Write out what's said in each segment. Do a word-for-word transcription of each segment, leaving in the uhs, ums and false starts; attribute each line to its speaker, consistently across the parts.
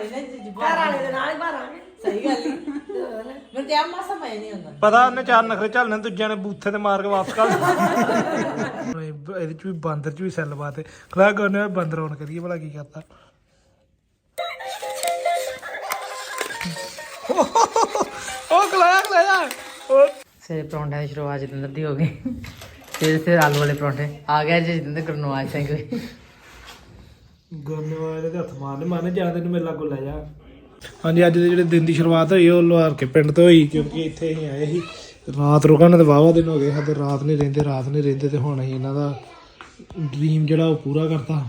Speaker 1: ਘਰ ਵਾਲੇ ਦੇ ਨਾਲ ਹੀ ਭਰਾਂਗੇ ਸਹੀ ਗੱਲ ਹੀ ਮੈਨੂੰ ਤੇ ਆ ਮਾਸਾ ਮੈਂ ਨਹੀਂ ਹੁੰਦਾ
Speaker 2: ਪਤਾ ਉਹਨੇ ਚਾਰ ਨਖਰੇ ਝੱਲਣੇ ਦੂਜਿਆਂ ਨੇ ਬੂਥੇ ਤੇ ਮਾਰ ਕੇ ਵਾਪਸ ਕਰ ਇਹਦੇ ਚ ਵੀ ਬਾਂਦਰ ਚ ਵੀ ਸੈੱਲ ਬਾਤ ਹੈ ਖਲਾ ਕਰਨੇ ਬਾਂਦਰ ਆਉਣ ਕਰੀਏ ਭਲਾ ਕੀ ਕਰਤਾ ਉਹ ਖਲਾਇਆ ਖਲਾਇਆ
Speaker 1: ਸੇ ਪਰੌਂਠਿਆਂ ਦੀ ਸ਼ੁਰੂਆਤ ਜਤਿੰਦਰ ਦੀ ਹੋ ਗਈ ਫਿਰ ਫਿਰ ਆਲੂ ਵਾਲੇ ਪਰੌਂਠੇ ਆ ਗਿਆ ਜੀ ਜਤਿੰਦਰ ਗੁਰਨਵਾਜ ਸਿੰਘ
Speaker 2: ਗੁਰਨਵਾਜ ਦੇ ਹੱਥ ਮਾਰਨੇ ਮਾਰਨੇ ਜਾਂ ਤੈਨੂੰ ਮੇਰੇ ਲਾਗੋਂ ਲੈ ਜਾ ਹਾਂਜੀ ਅੱਜ ਦੇ ਜਿਹੜੇ ਦਿਨ ਦੀ ਸ਼ੁਰੂਆਤ ਹੋਈ ਉਹ ਲੁਹਾਰ ਕੇ ਪਿੰਡ ਤੋਂ ਹੋਈ ਕਿਉਂਕਿ ਇੱਥੇ ਅਸੀਂ ਆਏ ਸੀ ਰਾਤ ਰੁਕਣ ਤੇ ਵਾਹਵਾ ਦਿਨ ਹੋ ਗਏ ਸਾਡੇ ਰਾਤ ਨਹੀਂ ਰਹਿੰਦੇ ਰਾਤ ਨਹੀਂ ਰਹਿੰਦੇ ਤੇ ਹੁਣ ਅਸੀਂ ਇਹਨਾਂ ਦਾ ਡ੍ਰੀਮ ਜਿਹੜਾ ਉਹ ਪੂਰਾ ਕਰਤਾ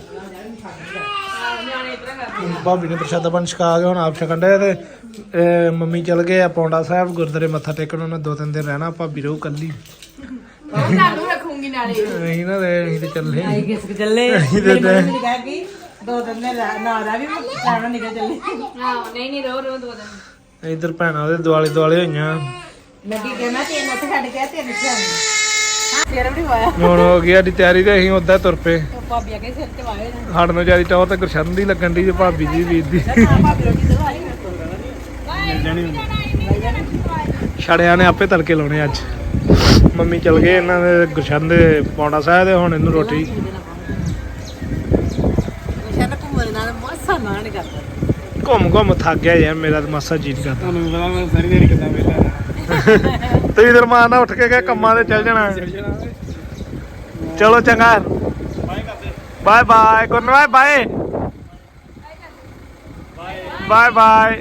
Speaker 2: ਭਾਬੀ ਨੇ ਪ੍ਰਸ਼ਾਦਾ ਪਾਣੀ ਛਕਾ ਕੇ ਹੁਣ ਆਪ ਛਕਣ ਡਿਆ ਤੇ ਮੰਮੀ ਚਲ ਗਏ ਆ ਪੌਂਡਾ ਸਾਹਿਬ ਗੁਰਦੁਆਰੇ ਮੱਥਾ ਟੇਕਣ ਉਹਨੇ ਦੋ ਤਿੰਨ ਦਿਨ ਰਹਿਣਾ ਭਾਬੀ ਰਹੂ ਕੱਲੀ
Speaker 3: ਤੁਹਾਨੂੰ ਰੱਖੂੰਗੀ ਨਾਲੇ
Speaker 2: ਅਸੀਂ ਨਾ ਅਸੀਂ ਤੇ ਚੱਲੇ
Speaker 1: ਆਈ ਕਿਸ ਚੱਲੇ ਮੇਰੀ ਮੰਮੀ ਨੇ ਕਿਹਾ ਕਿ ਦੋ ਦਿਨ ਦੇ ਨਾ ਦਾ ਵੀ ਖਾਣਾ ਨਿਕਲ ਚੱਲੇ
Speaker 3: ਹਾਂ ਨਹੀਂ ਨਹੀਂ ਰੋ ਰੋ ਦੋ ਦਿਨ
Speaker 2: ਇੱਧਰ ਭੈਣਾਂ ਉਹਦੇ ਦੁਆਲੇ ਦੁਆਲੇ ਹੋਈਆਂ
Speaker 1: ਮੈਂ ਕੀ ਕਹਿਣਾ ਤੈਨੂੰ ਉੱਥੇ ਛੱਡ ਕੇ ਤੈਨੂੰ ਚਾਹੀਦਾ ਹਾਂ ਫੇਰ ਵੀ ਹੋਇਆ
Speaker 2: ਹੁਣ ਹੋ ਗਈ ਸਾਡੀ ਤਿਆਰੀ ਤੇ ਅਸੀਂ ਉੱਦਾਂ ਤੁਰ ਪਏ
Speaker 1: ਭਾਬੀ ਆ ਕੇ ਸਿਰ ਤੇ ਵਾਏ ਨੇ
Speaker 2: ਸਾਡੇ ਨੂੰ ਜਿਆਦਾ ਟੌਰ ਤੇ ਗੁਰਸ਼ਨ ਦੀ ਲੱਗਣ ਦੀ ਜੇ ਭਾਬੀ ਦੀ ਵੀਰ ਦੀ
Speaker 1: ਭਾਬੀ ਰੋਟੀ ਦਵਾਈ
Speaker 2: ਛੜਿਆਂ ਨੇ ਆਪੇ ਤੜਕੇ ਲਾਉਣੇ ਅੱਜ ਮੰਮੀ ਚਲ ਗਏ ਇਹਨਾਂ ਦੇ ਗੁਰਸ਼ਨ ਦੇ ਪੌਂਡਾ ਸਾਹਿਬ ਦੇ ਹੁਣ ਇਹਨੂੰ ਰੋਟੀ
Speaker 1: ਗੁਰਸ਼ਨ ਘੁੰਮਣ ਨਾਲ ਮਾਸਾ ਨਾ ਨਹੀਂ ਕਰਦਾ
Speaker 2: ਘੁੰਮ ਘੁੰਮ ਥੱਕ ਗਿਆ ਯਾਰ ਮੇਰਾ ਤਾਂ ਮਾਸਾ ਜੀ ਨਹੀਂ ਕਰਦਾ
Speaker 4: ਤੁਹਾਨੂੰ ਪਤਾ ਮੈਂ ਸਾਰੀ ਦਿਹਾੜੀ ਕਿੱਦਾਂ ਵੇਲਾ
Speaker 2: ਤੁਸੀਂ ਇਧਰ ਮਾਰ ਨਾ ਉੱਠ ਕੇ ਗਏ ਕੰਮਾਂ ਤੇ ਚੱਲ ਜਾਣਾ ਚਲੋ ਚੰਗਾ bye bye Gurnawaz bye bye bye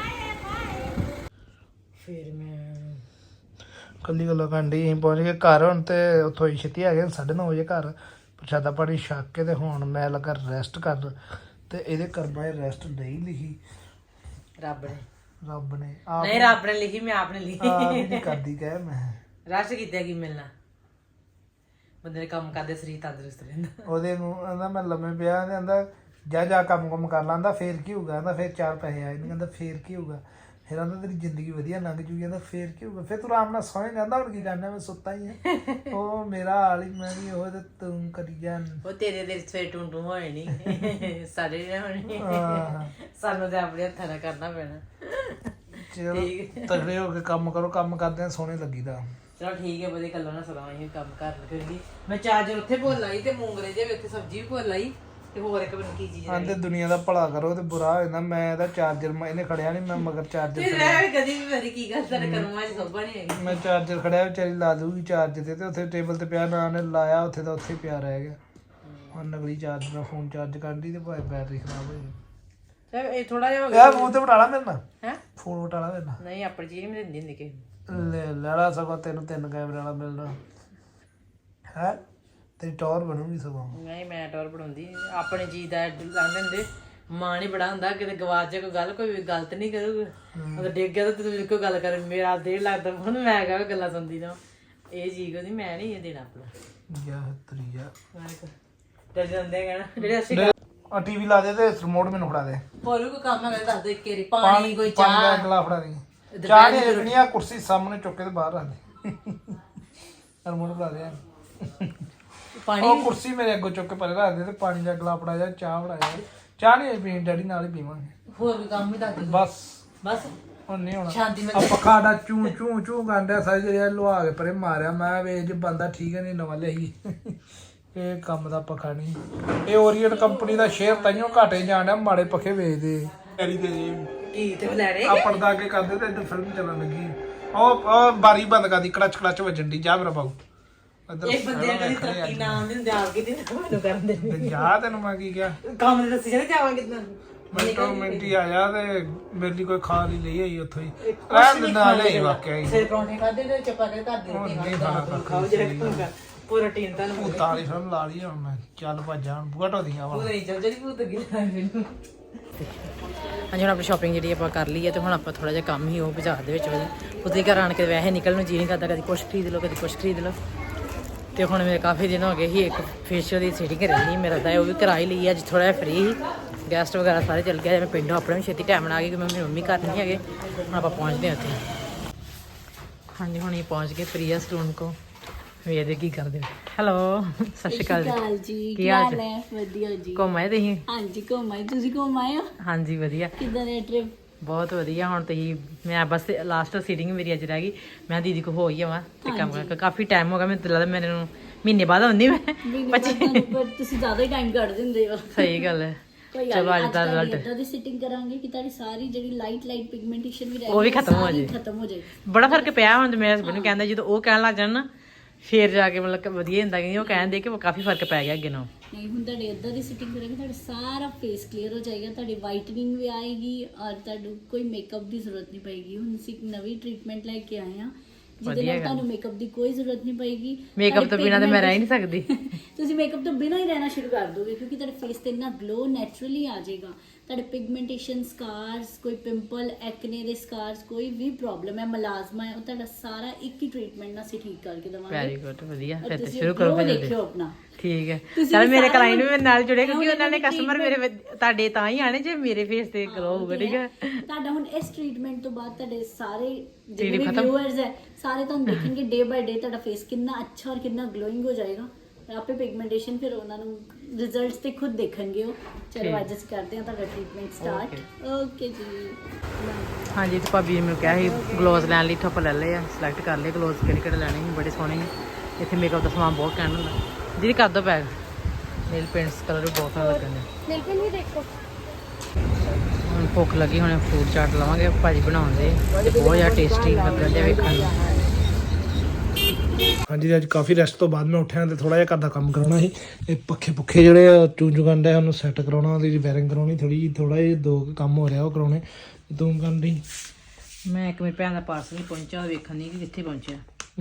Speaker 1: ਫਿਰ ਮੈਂ
Speaker 2: ਕੱਲੀ ਗੱਲਾਂ ਕੰਡੀ ਅਸੀਂ ਪਹੁੰਚ ਗਏ ਘਰ ਹੁਣ ਤੇ ਉੱਥੋਂ ਹੀ ਛੇਤੀ ਆ ਗਏ ਸਾਢੇ ਨੌ ਵਜੇ ਘਰ ਪ੍ਰਸ਼ਾਦਾ ਪਾਣੀ ਛਕ ਕੇ ਤੇ ਹੁਣ ਮੈਂ ਲੱਗਾ ਰੈਸਟ ਕਰਨ ਤੇ ਇਹਦੇ ਕਰਮਾਂ 'ਚ ਰੈਸਟ ਨਹੀਂ ਲਿਖੀ
Speaker 1: ਰੱਬ ਨੇ
Speaker 2: ਰੱਬ ਨੇ ਆਪ
Speaker 1: ਨਹੀਂ ਰੱਬ ਨੇ ਲਿਖੀ ਮੈਂ ਆਪ ਨੇ ਲਿਖੀ
Speaker 2: ਆਪ ਹੀ ਨਹੀਂ ਕਰਦੀ ਕਹਿ ਮੈਂ
Speaker 1: ਰਸ਼ ਕੀਤਾ ਕੀ ਮਿਲਣਾ ਬੰਦੇ ਨੇ ਕੰਮ ਕਰਦੇ ਸਰੀਰ ਤੰਦਰੁਸਤ ਰਹਿੰਦਾ
Speaker 2: ਉਹਦੇ ਨੂੰ ਕਹਿੰਦਾ ਮੈਂ ਲੰਮੇ ਪਿਆ ਕਹਿੰਦਾ ਜਾ ਜਾ ਕੰਮ ਕੰਮ ਕਰ ਲਾਂਦਾ ਫੇਰ ਕੀ ਹੋਊਗਾ ਕਹਿੰਦਾ ਫੇਰ ਚਾਰ ਪੈਸੇ ਆਏ ਨਹੀਂ ਕਹਿੰਦਾ ਫੇਰ ਕੀ ਹੋਊਗਾ ਫਿਰ ਕਹਿੰਦਾ ਤੇਰੀ ਜ਼ਿੰਦਗੀ ਵਧੀਆ ਲੰਘ ਜੂਗੀ ਕਹਿੰਦਾ ਫੇਰ ਕੀ ਹੋਊਗਾ ਫਿਰ ਤੂੰ ਆਰਾਮ ਨਾਲ ਸੌਂ ਕਹਿੰਦਾ ਹੁਣ ਕੀ ਕਰਨਾ ਮੈਂ ਸੁੱਤਾ ਹੀ ਆ ਉਹ ਮੇਰਾ ਹਾਲ ਹੀ ਮੈਂ ਵੀ ਉਹ ਤੇ ਤੂੰ ਕਰੀ ਜਾਨ
Speaker 1: ਉਹ ਤੇਰੇ ਦੇ ਸਵੇਰ ਟੂੰ ਟੂੰ ਹੋਏ ਨਹੀਂ ਸਾਡੇ ਨੇ ਹੋਣੀ
Speaker 2: ਹਾਂ
Speaker 1: ਸਾਨੂੰ ਤਾਂ ਆਪਣੇ ਹੱਥਾਂ ਨਾਲ ਕਰਨਾ ਪੈਣਾ
Speaker 2: ਚਲੋ ਤਗੜੇ ਹੋ ਕੇ ਕੰਮ ਕਰੋ ਕੰਮ ਕਰਦੇ ਆ ਸੋਹਣੇ ਲੱਗੀਦਾ
Speaker 1: ਚਲੋ ਠੀਕ ਹੈ ਵਧੀਆ ਗੱਲਾਂ ਨਾ ਸੁਣਾਵਾਂ ਅਸੀਂ ਕੰਮ ਕਰ ਲਵਾਂਗੇ ਮੈਂ ਚਾਰਜਰ ਉੱਥੇ ਭੁੱਲ ਆਈ ਤੇ ਮੂੰਗਰੇ ਜੇ ਉੱਥੇ ਸਬਜ਼ੀ ਵੀ ਭੁੱਲ ਆਈ ਤੇ ਹੋਰ ਇੱਕ ਮੈਨੂੰ ਕੀ ਚੀਜ਼
Speaker 2: ਆਂਦੇ ਦੁਨੀਆ ਦਾ ਭਲਾ ਕਰੋ ਤੇ ਬੁਰਾ ਹੋ ਜਾਂਦਾ ਮੈਂ ਇਹਦਾ ਚਾਰਜਰ ਇਹਨੇ ਖੜਿਆ ਨਹੀਂ ਮੈਂ ਮਗਰ ਚਾਰਜਰ
Speaker 1: ਤੇ ਮੈਂ ਵੀ ਕਦੀ ਵੀ ਮੇਰੀ ਕੀ ਗੱਲ ਤੇਰੇ ਕਰਮਾਂ 'ਚ ਸੋਭਾ ਨਹੀਂ ਹੈਗੀ
Speaker 2: ਮੈਂ ਚਾਰਜਰ ਖੜਿਆ ਵਿਚਾਰੀ ਲਾ ਦੂਗੀ ਚਾਰਜ ਤੇ ਤੇ ਉੱਥੇ ਟੇਬਲ ਤੇ ਪਿਆ ਨਾ ਨੇ ਲਾਇਆ ਉੱਥੇ ਦਾ ਉੱਥੇ ਪਿਆ ਰਹਿ ਗਿਆ ਹੁਣ ਨਕਲੀ ਚਾਰਜ ਨਾਲ ਫੋਨ ਚਾਰਜ ਕਰਨ ਦੀ ਤੇ ਭਾਵੇਂ ਬੈਟਰੀ ਖਰਾਬ ਹੋ ਜਾਏ
Speaker 1: ਚਲ ਇਹ ਥੋੜਾ ਜਿਹਾ ਹੋ ਗਿਆ
Speaker 2: ਯਾਰ ਫੋਨ ਤੇ ਬਟਾਲਾ ਮੇਰੇ ਨਾਲ
Speaker 1: ਹੈ
Speaker 2: ਫੋਨ ਬਟਾਲਾ ਮੇਰੇ ਨਾਲ
Speaker 1: ਨਹੀਂ ਆਪਣੀ ਚੀਜ਼ ਨਹੀਂ ਦਿੰਦੀ ਹੁੰਦੀ ਕਿਸੇ
Speaker 2: ਲੈ ਲੈਣਾ ਸਗੋਂ ਤੈਨੂੰ ਤਿੰਨ ਕੈਮਰੇ ਵਾਲਾ ਮਿਲਣਾ ਹੈ ਤੇਰੀ ਟੌਰ ਬਣੂਗੀ ਸਗੋਂ
Speaker 1: ਨਹੀਂ ਮੈਂ ਟੌਰ ਬਣਾਉਂਦੀ ਆਪਣੇ ਚੀਜ਼ ਦਾ ਲਾਂਦੇ ਹੁੰਦੇ ਮਾਂ ਨਹੀਂ ਬੜਾ ਹੁੰਦਾ ਕਿਤੇ ਗਵਾਚ ਜਾ ਕੋਈ ਗੱਲ ਕੋਈ ਗਲਤ ਨਹੀਂ ਕਰੂਗਾ ਅਗਰ ਡਿੱਗ ਗਿਆ ਤਾਂ ਤੂੰ ਕੋਈ ਗੱਲ ਕਰ ਮੇਰਾ ਡੇਢ ਲੱਖ ਦਾ ਫੋਨ ਮੈਂ ਕਹਾਂ ਗੱਲਾਂ ਸੁਣਦੀ ਨਾ ਇਹ ਚੀਜ਼ ਉਹਦੀ ਮੈਂ ਨਹੀਂ ਇਹ ਦੇਣਾ ਆਪਣਾ
Speaker 2: ਯਾ ਤਰੀਆ
Speaker 1: ਡਰ ਜਾਂਦੇ ਕਹਿਣਾ ਜਿਹੜੇ ਅਸੀਂ
Speaker 2: ਆ ਟੀਵੀ ਲਾ ਦੇ ਤੇ ਰਿਮੋਟ ਮੈਨੂੰ ਫੜਾ ਦੇ
Speaker 1: ਹੋਰ ਵੀ ਕੋਈ ਕੰਮ ਹੈਗਾ ਦੱਸ ਦੇ ਕੇਰੀ ਪਾਣੀ ਕੋਈ
Speaker 2: ਪਾਣੀ ਦਾ
Speaker 1: ਚਾਹ
Speaker 2: ਗਲਾ ਫੜਾ ਦੇ ਚਾਹ ਨਹੀਂ ਰੱਖਣੀ ਆ ਕੁਰਸੀ ਸਾਹਮਣੇ ਚੁੱਕ ਕੇ ਤੇ ਬਾਹਰ ਰੱਖ ਦੇ ਰਿਮੋਟ ਫੜਾ ਦੇ
Speaker 1: ਪਾਣੀ
Speaker 2: ਉਹ ਕੁਰਸੀ ਮੇਰੇ ਅੱਗੋਂ ਚੁੱਕ ਕੇ ਪਰੇ ਰੱਖ ਦੇ ਤੇ ਪਾਣੀ ਦਾ ਗਲਾ ਫੜਾ ਜਾ ਚਾਹ ਫੜਾ ਜਾ ਚਾਹ ਨਹੀਂ ਪੀਣੀ ਡੈਡੀ ਨਾਲ ਹੀ ਪੀਵਾਂਗੇ
Speaker 1: ਹੋਰ ਵੀ ਕੰਮ ਵੀ ਦੱਸ ਦੇ
Speaker 2: ਬਸ
Speaker 1: ਬਸ
Speaker 2: ਹੁਣ ਨਹੀਂ ਹੋਣਾ
Speaker 1: ਸ਼ਾਂਤੀ
Speaker 2: ਆ ਪੱਖਾ ਦਾ ਚੂੰ ਚੂੰ ਚੂੰ ਗਾਂਡਿਆ ਸਾਰੀ ਜਿਹੜੀ ਲੁਆ ਕੇ ਪਰੇ ਮਾਰਿਆ ਮੈਂ ਵੇ ਜੇ ਬੰਦਾ ਠੀਕ ਹੈ ਨਹੀਂ ਨਵਾਂ ਲਿਆਈ ਇਹ ਕੰਮ ਦਾ ਪੱਖਾ ਨਹੀਂ ਇਹ ਓਰੀਅਨ ਕੰਪਨੀ ਦਾ ਸ਼ੇਅਰ ਤਾਈਓ ਘਾਟੇ ਜਾਣਿਆ ਮਾੜੇ ਪੱਖੇ ਵੇਚਦੇ ਡੈਡੀ ਦੇ ਜੀ
Speaker 1: ਕੀ ਤੇ ਲੈ ਰਹੇ
Speaker 2: ਆ ਪਰਦਾ ਅੱਗੇ ਕਰਦੇ ਤੇ ਇੱਧਰ ਫਿਲਮ ਚੱਲਣ ਲੱਗੀ ਉਹ ਉਹ ਬਾਰੀ ਬੰਦ ਕਰਦੀ ਕੜਚ ਕੜਚ ਵੱਜਣ ਦੀ ਜਾ ਮੇਰਾ ਬਾਊ
Speaker 1: ਇੱਕ ਬੰਦੇ ਨੇ ਕਦੀ ਤਰੱਕੀ ਨਾ ਆਉਂਦੀ ਹੁੰਦੀ ਆਪ ਕਿਤੇ ਮੈਨੂੰ ਕਰਨ ਦੇ
Speaker 2: ਜਾ ਤੈਨੂੰ ਮੈਂ ਕੀ ਕਿਹਾ
Speaker 1: ਕੰਮ ਦੇ ਦੱਸੀ ਜਾਂਦੇ ਜਾਵਾਂ ਕਿਤਨਾ
Speaker 2: ਮਿੰਟੋ ਮਿੰਟੀ ਆਇਆ ਤੇ ਮੇਰੇ ਲਈ ਕੋਈ ਖਾ ਲਈ ਲਈ ਆਈ ਉੱਥੋਂ ਹੀ ਰਹਿਣ ਦੇ ਨਾਲ ਹੀ ਵਾਕਿਆ ਹੀ
Speaker 1: ਸਿਰ ਪਰੌਂਠੇ ਖਾਦੇ ਤੇ ਚੱਪਾ ਕੇ ਘਰ ਦੇ
Speaker 2: ਨਹੀਂ ਖਾਣਾ
Speaker 1: ਖਾਓ ਜਿਹੜਾ ਪੂਰਾ ਟੀਨ ਤਾਂ ਨੂੰ
Speaker 2: ਤਾਲੀ ਫਿਲਮ ਲਾ ਲਈ ਹੁਣ ਮੈਂ ਚੱਲ ਭੱਜਾਂ ਹੁਣ ਬੂਹਾ ਢੋਦੀਆਂ ਵਾ
Speaker 1: ਨਹੀਂ ਚੱਲ ਜਿਹੜੀ ਭੂਤ ਗਿਲਾ ਮੈਨੂੰ ਹਾਂਜੀ ਹੁਣ ਆਪਣੀ ਸ਼ਾਪਿੰਗ ਜਿਹੜੀ ਆਪਾਂ ਕਰ ਲਈ ਹੈ ਤੇ ਹੁਣ ਆਪਾਂ ਥੋੜਾ ਜਿਹਾ ਕੰਮ ਹੀ ਉਹ ਬਾਜ਼ਾਰ ਦੇ ਵਿੱਚ ਉਹਦੇ ਘਰ ਆਣ ਕੇ ਵੈਸੇ ਨਿਕਲਣ ਨੂੰ ਜੀ ਨਹੀਂ ਕਰਦਾ ਕਦੀ ਕੁਛ ਖਰੀਦ ਲਓ ਕਦੀ ਕੁਛ ਖਰੀਦ ਲਓ ਤੇ ਹੁਣ ਮੇਰੇ ਕਾਫੀ ਦਿਨ ਹੋ ਗਏ ਸੀ ਇੱਕ ਫੇਸ਼ੀਅਲ ਦੀ ਸੀਟਿੰਗ ਰਹਿੰਦੀ ਮੇਰਾ ਤਾਂ ਉਹ ਵੀ ਕਰਾ ਹੀ ਲਈ ਅੱਜ ਥੋੜਾ ਜਿਹਾ ਫ੍ਰੀ ਗੈਸਟ ਵਗੈਰਾ ਸਾਰੇ ਚੱਲ ਗਏ ਮੈਂ ਪਿੰਡੋਂ ਆਪਣੇ ਵੀ ਛੇਤੀ ਟਾਈਮ ਨਾਲ ਆ ਗਈ ਕਿ ਮੇਰੀ ਮੰਮੀ ਘਰ ਨਹੀਂ ਹੈਗੇ ਹੁਣ ਆਪਾਂ ਪਹੁੰਚਦੇ ਹਾਂ ਉੱਥੇ ਹਾਂਜੀ ਹੁਣ ਇਹ ਪਹੁੰਚ ਗਏ ਪ੍ਰਿਆ ਸਲੂਨ ਕੋ ਵੇਖਦੇ ਕੀ ਕਰਦੇ ਹੈਲੋ ਸਤਿ ਸ਼੍ਰੀ ਅਕਾਲ ਜੀ
Speaker 5: ਕਾਲ ਜੀ
Speaker 1: ਕੀ
Speaker 5: ਕੀ
Speaker 1: ਹਾਲ
Speaker 5: ਹਾਲ
Speaker 1: ਜੀ?
Speaker 5: ਹੈ ਵਧੀਆ ਜੀ
Speaker 1: ਘੁੰਮ ਆਏ ਤੁਸੀਂ
Speaker 5: ਹਾਂਜੀ ਘੁੰਮ ਆਏ ਤੁਸੀਂ ਘੁੰਮ ਆਏ ਹੋ
Speaker 1: ਹਾਂਜੀ ਵਧੀਆ
Speaker 5: ਕਿੱਦਾਂ ਦਾ ਟ੍ਰਿਪ
Speaker 1: ਬਹੁਤ ਵਧੀਆ ਹੁਣ ਤੁਸੀਂ ਮੈਂ ਬਸ ਲਾਸਟ ਸੀਟਿੰਗ ਮੇਰੀ ਅੱਜ ਰਹਿ ਗਈ ਮੈਂ ਦੀਦੀ ਕੋ ਹੋ ਹੀ ਆਵਾਂ ਤੇ ਕੰਮ ਕਰ ਕਾਫੀ ਟਾਈਮ ਹੋ ਗਿਆ ਮੈਨੂੰ ਤਾਂ ਲੱਗਦਾ ਮੈਨੂੰ ਮਹੀਨੇ ਬਾਅਦ ਆਉਂਦੀ ਮੈਂ
Speaker 5: ਬੱਚੇ ਪਰ ਤੁਸੀਂ ਜ਼ਿਆਦਾ ਹੀ ਟਾਈਮ ਕੱਢ ਦਿੰਦੇ ਹੋ
Speaker 1: ਸਹੀ ਗੱਲ ਹੈ
Speaker 5: ਕੋਈ
Speaker 1: ਚਲੋ ਅੱਜ ਦਾ
Speaker 5: ਰਿਜ਼ਲਟ
Speaker 1: result।
Speaker 5: ਇਦਾਂ ਦੀ ਸਿਟਿੰਗ ਕਰਾਂਗੇ ਕਿ ਤੁਹਾਡੀ ਸਾਰੀ ਜਿਹੜੀ ਲਾਈਟ ਲਾਈਟ ਪਿਗਮੈਂਟੇਸ਼ਨ ਵੀ ਰਹਿ
Speaker 1: ਉਹ ਵੀ
Speaker 5: ਗਈ ਹੈ,
Speaker 1: ਖਤਮ ਹੋ
Speaker 5: ਸਾਰੀ
Speaker 1: ਜਾਏ।
Speaker 5: ਖਤਮ ਹੋ ਜਾਏ
Speaker 1: ਬੜਾ ਫਰਕ ਪਿਆ ਹੁਣ ਤੇ ਮੇਰੇ ਹਸਬੰਦ ਨੂੰ ਕਹਿੰਦਾ ਜਦੋਂ ਉਹ ਕਹਿਣ ਲੱਗ ਜਾਣ ਨਾ ਫੇਰ ਜਾ ਕੇ ਮਤਲਬ ਕਿ ਵਧੀਆ ਹੁੰਦਾ ਕਿ ਉਹ ਕਹਿੰਦੇ ਕਿ ਕਾਫੀ ਫਰਕ ਪੈ ਗਿਆ ਅੱਗੇ ਨਾਲੋਂ
Speaker 5: ਨਹੀਂ ਹੁਣ ਤੁਹਾਡੇ ਇਦਾਂ ਦੀ ਸਿਟਿੰਗ ਕਰਾਂਗੇ ਤੁਹਾਡਾ ਸਾਰਾ ਫੇਸ ਕਲੀਅਰ ਹੋ ਜਾਏਗਾ ਤੁਹਾਡੀ ਵਾਈਟਨਿੰਗ ਵੀ ਆਏਗੀ ਔਰ ਤੁਹਾਨੂੰ ਕੋਈ ਮੇਕਅਪ ਦੀ ਜ਼ਰੂਰਤ ਨਹੀਂ ਪਏਗੀ ਹੁਣ ਅਸੀਂ ਇੱਕ ਨਵੀਂ ਟ੍ਰੀਟਮੈਂਟ ਲੈ ਕੇ ਆਏ ਹਾਂ ਜਿਹਦੇ ਨਾਲ ਤੁਹਾਨੂੰ ਮੇਕਅਪ ਦੀ ਕੋਈ ਜ਼ਰੂਰਤ ਨਹੀਂ ਪਏਗੀ
Speaker 1: ਮੇਕਅਪ ਤੋਂ ਬਿਨਾਂ ਤੇ ਮੈਂ ਰਹਿ ਹੀ ਨਹੀਂ ਸਕਦੀ
Speaker 5: ਤੁਸੀਂ ਮੇਕਅਪ ਤੋਂ ਬਿਨਾਂ ਹੀ ਰਹਿਣਾ ਸ਼ੁਰੂ ਕਰ ਦੋਗੇ ਕਿਉਂਕਿ ਤੁਹਾਡੇ ਫੇਸ ਤੇ ਇੰਨਾ ਗਲੋ ਨੈਚੁਰਲੀ ਆ ਜਾਏਗਾ ਤੁਹਾਡੇ ਪਿਗਮੈਂਟੇਸ਼ਨ ਸਕਾਰਸ ਕੋਈ ਪਿੰਪਲ ਐਕਨੇ ਦੇ ਸਕਾਰਸ ਕੋਈ ਵੀ ਪ੍ਰੋਬਲਮ ਹੈ ਮਲਾਜ਼ਮਾ ਹੈ ਉਹ ਤੁਹਾਡਾ ਸਾਰਾ ਇੱਕ ਹੀ ਟ੍ਰੀਟਮੈਂਟ ਨਾਲ ਅਸੀਂ ਠੀਕ ਕਰਕੇ
Speaker 1: ਵੈਰੀ
Speaker 5: ਦਵਾਂਗੇ
Speaker 1: ਗੁੱਡ ਵਧੀਆ
Speaker 5: ਔਰ
Speaker 1: ਫਿਰ ਤੇ
Speaker 5: ਤੁਸੀਂ
Speaker 1: ਸ਼ੁਰੂ ਕਰੋ
Speaker 5: glow
Speaker 1: ਫਿਰ
Speaker 5: ਦੇਖਿਓ ਆਪਣਾ
Speaker 1: ਠੀਕ ਹੈ
Speaker 5: ਤੁਸੀਂ
Speaker 1: ਚਲ
Speaker 5: ਵੀ
Speaker 1: ਮੇਰੇ
Speaker 5: ਸਾਰਾ
Speaker 1: ਕਲਾਇੰਟ ਵੀ ਮੇਰੇ ਨਾਲ ਜੁੜੇ
Speaker 5: ਹੁਣ
Speaker 1: ਕਿਉਂਕਿ ਉਹਨਾਂ ਨੇ
Speaker 5: ਇਹਨਾਂ ਦੀ
Speaker 1: ਕਸਟਮਰ ਮੇਰੇ ਵਿੱਚ- ਤੁਹਾਡੇ ਤਾਂ ਹੀ ਆਣੇ ਜੇ ਮੇਰੇ ਫੇਸ ਤੇ ਗਲੋ ਹੋਊਗਾ ਠੀਕ ਹੈ
Speaker 5: ਤੁਹਾਡਾ ਹੁਣ ਇਸ ਟ੍ਰੀਟਮੈਂਟ ਤੋਂ ਬਾਅਦ ਤੁਹਾਡੇ ਸਾਰੇ
Speaker 1: Treatment
Speaker 5: ਜਿਹੜੇ ਵੀ
Speaker 1: ਖਤਮ?
Speaker 5: ਵਿਊਅਰਸ ਹੈ ਸਾਰੇ ਤੁਹਾਨੂੰ ਦੇਖਣਗੇ ਡੇ ਬਾਈ ਡੇ ਤੁਹਾਡਾ ਫੇਸ ਕਿੰਨਾ ਅੱਛਾ ਔਰ ਕਿੰਨਾ ਗਲੋਇੰਗ ਹੋ ਜਾਏਗਾ ਤੇ ਆਪੇ ਪਿਗਮੈਂਟੇਸ਼ਨ ਫਿਰ ਉਹਨਾਂ ਨੂੰ ਰਿਜ਼ਲਟਸ ਤੇ ਖੁਦ ਦੇਖਣਗੇ ਉਹ ਚਲੋ ਅੱਜ ਅਸੀਂ ਕਰਦੇ ਹਾਂ ਤੁਹਾਡਾ ਟ੍ਰੀਟਮੈਂਟ ਸਟਾਰਟ ਓਕੇ ਜੀ
Speaker 1: ਹਾਂਜੀ ਤੇ ਭਾਬੀ ਨੇ ਮੈਨੂੰ ਕਿਹਾ ਸੀ ਗਲੋਜ਼ ਲੈਣ ਲਈ ਥੱਪ ਲੈ ਲਏ ਆ ਸਿਲੈਕਟ ਕਰ ਲਏ ਗਲੋਜ਼ ਕਿਹੜੇ ਕਿਹੜੇ ਲੈਣੇ ਸੀ ਬੜੇ ਸੋਹਣੇ ਨੇ ਇੱਥੇ ਮੇਕਅਪ ਦਾ ਸਮਾਨ ਬਹੁਤ ਕਹਿਣ ਹੁੰਦਾ ਜਿਹਦੀ ਕਰ ਦੋ ਪੈਕ ਨੇਲ ਪੇਂਟਸ ਕਲਰ ਵੀ ਬਹੁਤ ਸੋਹਣੇ ਲੱਗਣ ਦੇ
Speaker 3: ਨੇਲ ਪੇਂਟ ਵੀ ਦੇਖੋ
Speaker 1: ਹੁਣ ਭੁੱਖ ਲੱਗੀ ਹੁਣ ਫੂਡ ਚਾਟ ਲਵਾਂਗੇ ਭਾਜੀ ਬਣਾਉਂਦੇ ਬਹੁਤ ਜ਼ਿਆਦਾ ਟੇਸਟੀ ਲੱਗਣ ਦੇ ਵੇਖਣ ਨੂੰ
Speaker 2: ਹਾਂਜੀ ਅੱਜ ਕਾਫੀ ਰੈਸਟ ਤੋਂ ਬਾਅਦ ਮੈਂ ਉੱਠਿਆ ਤੇ ਥੋੜਾ ਜਿਹਾ ਘਰ ਦਾ ਕੰਮ ਕਰਾਉਣਾ ਸੀ ਇਹ ਪੱਖੇ ਪੁੱਖੇ ਜਿਹੜੇ ਆ ਚੂੰ ਚੂੰ ਕਰਨ ਡਿਆ ਉਹਨੂੰ ਸੈੱਟ ਕਰਾਉਣਾ ਉਹਦੀ ਵਾਇਰਿੰਗ ਕਰਾਉਣੀ ਥੋੜੀ ਜਿਹੀ ਥੋੜਾ ਜਿਹਾ ਦੋ ਕੁ ਕੰਮ ਹੋ ਰਿਹਾ ਉਹ ਕਰਾਉਣੇ ਤੂੰ ਕਰਨ ਦੀ
Speaker 1: ਮੈਂ ਇੱਕ ਮੇਰੀ ਭੈਣ ਦਾ ਪਾਰਸਲ ਨਹੀਂ ਪਹੁੰਚਿਆ ਉਹ ਵੇਖਣ ਨਹੀਂ ਕਿ ਕਿੱਥੇ ਪਹੁੰਚਿਆ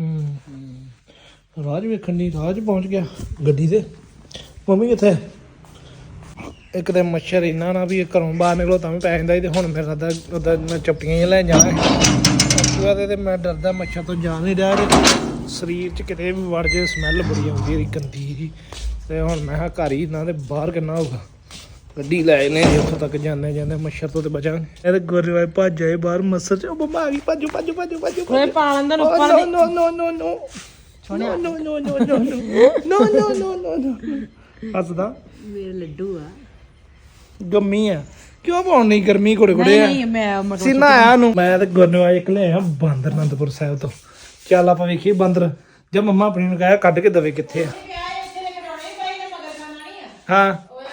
Speaker 2: ਹੂੰ ਰਾਜ ਵੇਖਣ ਦੀ ਰਾਜ ਪਹੁੰਚ ਗਿਆ ਗੱਡੀ ਤੇ ਮੰਮੀ ਕਿੱਥੇ ਇੱਕ ਤੇ ਮੱਛਰ ਇੰਨਾ ਨਾ ਵੀ ਇਹ ਘਰੋਂ ਬਾਹਰ ਨਿਕਲੋ ਤਾਂ ਵੀ ਪੈ ਜਾਂਦਾ ਸੀ ਤੇ ਹੁਣ ਮੇਰਾ ਦਾ ਉਹਦਾ ਮੈਂ ਚੱਪੀਆਂ ਹੀ ਲੈਣ ਜਾਣਾ ਐਕਟਿਵਾ ਤੇ ਤੇ ਮੈਂ ਡਰਦਾ ਮੱਛਰ ਤੋਂ ਜਾ ਨਹੀਂ ਰਿਹਾ ਤੇ ਸਰੀਰ 'ਚ ਕਿਤੇ ਵੀ ਵੜ ਜੇ ਸਮੈਲ ਬੜੀ ਆਉਂਦੀ ਹੈ ਗੰਦੀ ਜੀ ਤੇ ਹੁਣ ਮੈਂ ਕਿਹਾ ਘਰ ਹੀ ਨਾ ਤੇ ਬਾਹਰ ਕਿੰਨਾ ਹੋਊਗਾ ਗੱਡੀ ਲੈ ਨੇ ਉੱਥੋਂ ਤੱਕ ਜਾਂਦੇ ਜਾਂਦੇ ਮੱਛਰ ਤੋਂ ਤੇ ਬਚਾਂਗੇ ਇਹ ਤੇ ਗੁਰਵਾਏ ਭੱਜ ਆਏ ਬਾਹਰ ਮੱਛਰ 'ਚ ਉਹ ਬੰਮਾ ਆ ਗਈ ਭੱਜੋ ਭੱਜੋ ਭੱਜੋ ਭੱਜੋ
Speaker 1: ਓਏ ਪਾਲਣ ਦਾ
Speaker 2: ਨੋ
Speaker 1: ਉੱਪਰ
Speaker 2: ਨੋ ਨੋ ਨੋ ਨੋ ਨੋ ਨੋ ਨੋ ਨੋ ਨੋ ਨੋ ਨੋ ਨੋ ਨੋ ਨੋ ਨੋ ਹੱਸਦਾ
Speaker 1: ਮੇਰੇ ਲੱਡੂ ਆ
Speaker 2: ਗੰਮੀ ਆ ਕਿਉਂ ਪਾਉਣ ਨਹੀਂ ਗਰਮੀ ਘੋੜੇ ਘੋੜੇ ਆ
Speaker 1: ਨਹੀਂ ਮੈਂ ਮਤਲਬ
Speaker 2: ਸੀਨਾ ਆਇਆ ਨੂੰ ਮੈਂ ਤੇ ਗੁਰਨਵਾਜ ਇੱਕ ਲੈ ਆ ਬਾਂਦਰ ਅਨੰਦਪੁਰ ਸਾਹਿਬ ਤੋਂ ਚੱਲ ਆਪਾਂ ਵੇਖੀਏ ਬਾਂਦਰ ਜੇ ਮੰਮਾ ਆਪਣੀ ਨੂੰ ਕਹਿਆ ਕੱਢ ਕੇ ਦਵੇ ਕਿੱਥੇ ਆ ਹਾਂ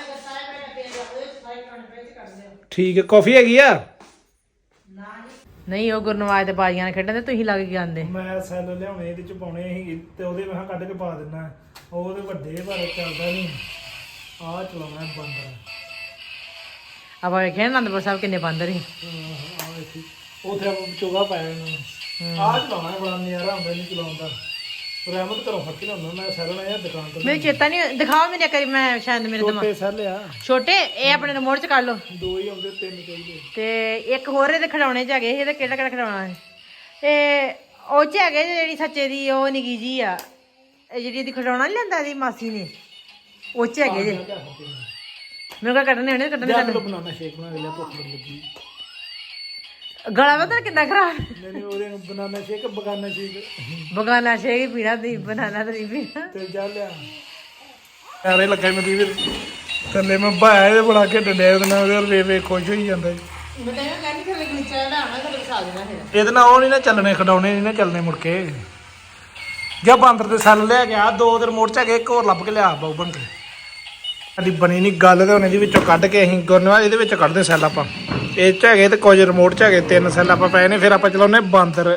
Speaker 2: ਠੀਕ ਹੈ ਕਾਫੀ ਹੈਗੀ ਆ
Speaker 1: ਨਹੀਂ ਉਹ ਗੁਰਨਵਾਜ ਦੇ ਬਾਜੀਆਂ ਨਾਲ ਖੇਡਣ ਤੇ ਤੁਸੀਂ ਲੱਗ ਕੇ ਆਂਦੇ
Speaker 2: ਮੈਂ ਸੈੱਲ ਲਿਆਉਣੇ ਇਹਦੇ ਚ ਪਾਉਣੇ ਸੀ ਤੇ ਉਹਦੇ ਮੈਂ ਕਿਹਾ ਕੱਢ ਕੇ ਪਾ ਦਿੰਦਾ ਉਹ ਉਹਦੇ ਵੱਡੇ ਪਰ ਚੱਲਦਾ ਨਹੀਂ ਆਹ ਚਲਾਉਣਾ ਬਾਂਦਰ
Speaker 1: ਆਪਾਂ ਵੇਖਿਆ ਨਾ ਅਨੰਦਪੁਰ ਸਾਹਿਬ ਕਿੰਨੇ ਬਾਂਦਰ ਸੀ
Speaker 2: ਆਹ ਵੇਖੀ ਉੱਥੇ ਆਪਾਂ ਚੋਗਾ ਪਾਇਆ ਇਹਨੂੰ ਆਹ ਚਲਾਉਣਾ ਬੜਾ ਨਜ਼ਾਰਾ ਹੁੰਦਾ ਇਹਨੂੰ ਚਲਾਉਣ ਦਾ ਰਹਿਮਤ ਘਰੋਂ ਫੜ ਕੇ ਲਿਆਉਂਦਾ ਮੈਂ ਸੈੱਲ ਲਿਆ ਦੁਕਾਨ ਤੋਂ
Speaker 1: ਮੈਨੂੰ ਚੇਤਾ ਨਹੀਂ ਦਿਖਾਓ ਮੈਨੂੰ ਕਰੀ ਮੈਂ ਸ਼ਾਇਦ ਮੇਰੇ ਦਿਮਾਗ
Speaker 2: ਛੋਟੇ ਸੈੱਲ ਆ
Speaker 1: ਛੋਟੇ ਇਹ ਆਪਣੇ ਰਿਮੋਟ ਚ ਕੱਢ ਲਓ
Speaker 2: ਦੋ ਹੀ ਆਉਂਦੇ ਤਿੰਨ ਚਾਹੀਦੇ
Speaker 1: ਤੇ ਇੱਕ ਹੋਰ ਇਹਦੇ ਖਿਡੌਣੇ ਚ ਹੈਗੇ ਇਹਦਾ ਕਿਹੜਾ ਕਿਹੜਾ ਖਿਡੌਣਾ ਹੈ ਇਹ ਉਹ ਚ ਹੈਗੇ ਜਿਹੜੀ ਸੱਚੇ ਦੀ ਉਹ ਨਿੱਕੀ ਜੀ ਆ ਇਹ ਜਿਹੜੀ ਇਹਦੀ ਖਿਡੌਣਾ ਨਹੀਂ ਲੈਂਦਾ ਇਹਦੀ ਮਾਸੀ ਨੇ ਉਹ ਚ ਹੈਗੇ ਜੇ ਮੇਰੇ ਕੋਲ ਕੱਢਣੇ ਹੋਣੇ ਕੱਢਣੇ
Speaker 2: ਜਾਂ
Speaker 1: ਤੁਹਾਨੂੰ
Speaker 2: ਬਣਾਉਣਾ ਸ਼ੇਕ ਬਣਾ ਕੇ ਲਿਆ ਭੁੱਖ ਬੜੀ ਲੱਗੀ
Speaker 1: ਗਲਾ ਪਤਾ ਕਿੰਨਾ ਖਰਾਬ
Speaker 2: ਨਹੀਂ ਨਹੀਂ ਉਹਦੇ ਨੂੰ ਬਨਾਨਾ ਸ਼ੇਕ ਬਗਾਨਾ ਸ਼ੇਕ
Speaker 1: ਬਗਾਨਾ ਸ਼ੇਕ ਪੀਣਾ ਦੀ ਬਨਾਨਾ ਤੇ ਨਹੀਂ ਪੀਣਾ
Speaker 2: ਤੇ ਜਾ ਲਿਆ ਐਰੇ ਲੱਗਾ ਮੇਰੀ ਵੀ ਥੱਲੇ ਮੈਂ ਭਾਇਆ ਇਹਦੇ ਬਣਾ ਕੇ ਡੰਡੇ ਉਹਦੇ ਨਾਲ ਉਹਦੇ ਵੇ ਵੇ ਖੁਸ਼ ਹੋਈ ਜਾਂਦਾ ਜੀ
Speaker 1: ਮੈਂ ਤਾਂ ਇਹ ਕਹਿੰਦੀ ਥੱਲੇ ਨੀਚੇ ਚੜਾਉਣਾ ਤੇ ਵਿਖਾ ਦੇਣਾ ਫਿਰ
Speaker 2: ਇਹਦੇ ਨਾਲ ਉਹ ਨਹੀਂ ਨਾ ਚੱਲਣੇ ਖਡਾਉਣੇ ਨਹੀਂ ਨਾ ਚੱਲਣੇ ਮੁੜ ਕੇ ਜਾਂ ਬਾਂਦਰ ਦੇ ਸੈੱਲ ਲੈ ਗਿਆ ਦੋ ਦਿਨ ਮੋੜ ਚ ਹੈਗੇ ਇੱਕ ਹੋਰ ਲੱਭ ਕੇ ਲਿਆ ਬਾਉ ਬਣ ਕੇ ਸਾਡੀ ਬਣੀ ਨਹੀਂ ਗੱਲ ਤੇ ਹੁਣ ਇਹਦੇ ਵਿੱਚੋਂ ਕੱਢ ਕੇ ਅਸੀਂ ਗੁਰਨਵਾਲ ਇਹਦੇ ਵਿੱਚ ਕੱਢਦੇ ਸੈੱਲ ਆਪਾਂ ਇਹ ਚ ਹੈਗੇ ਤੇ ਕੁਝ ਰਿਮੋਟ ਚ ਹੈਗੇ ਤਿੰਨ ਸੈੱਲ ਆਪਾਂ ਪਏ ਨੇ ਫਿਰ ਆਪਾਂ ਚਲਾਉਨੇ ਬਾਂਦਰ